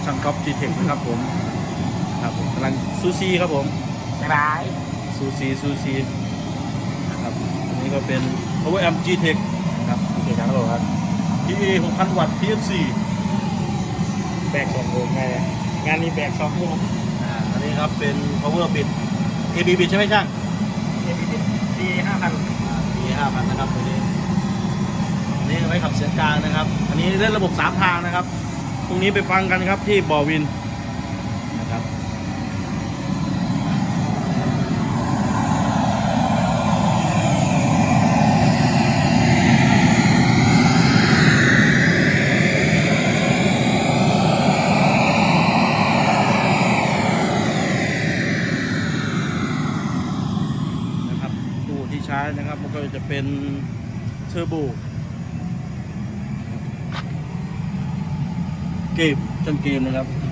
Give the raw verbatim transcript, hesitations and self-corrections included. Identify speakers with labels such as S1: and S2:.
S1: ช่างก๊อฟจีเทคนะครับผมครับผมกำลังซูซีครับผม
S2: บ๊ายบาย
S1: ซูซีซูซีนะครับอันนี้ก็เป็น power amp G-Tech นะครับ
S2: กี่ครั้งหรอครับ
S1: พี เอ หกพัน วัตต์ ที เอฟ ซี
S2: แบกสองวงไงเนี่ยงานนี้แบกสองวง
S1: อ่าอันนี้ครับเป็น power bit เอ บี bit ใช่ไหมช่าง
S2: เอพีดีห้าพัน
S1: ปีห้าพันนะครับตัวนี้อันนี้ไว้ขับเสียงกลางนะครับ อันนี้เล่นระบบสามทางนะครับพรุ่งนี้ไปฟังกันครับที่บ่อวินนะครับนะครับตู้ที่ใช้นะครับมันก็จะเป็นเทอร์โบเกมจังเกมนะครับ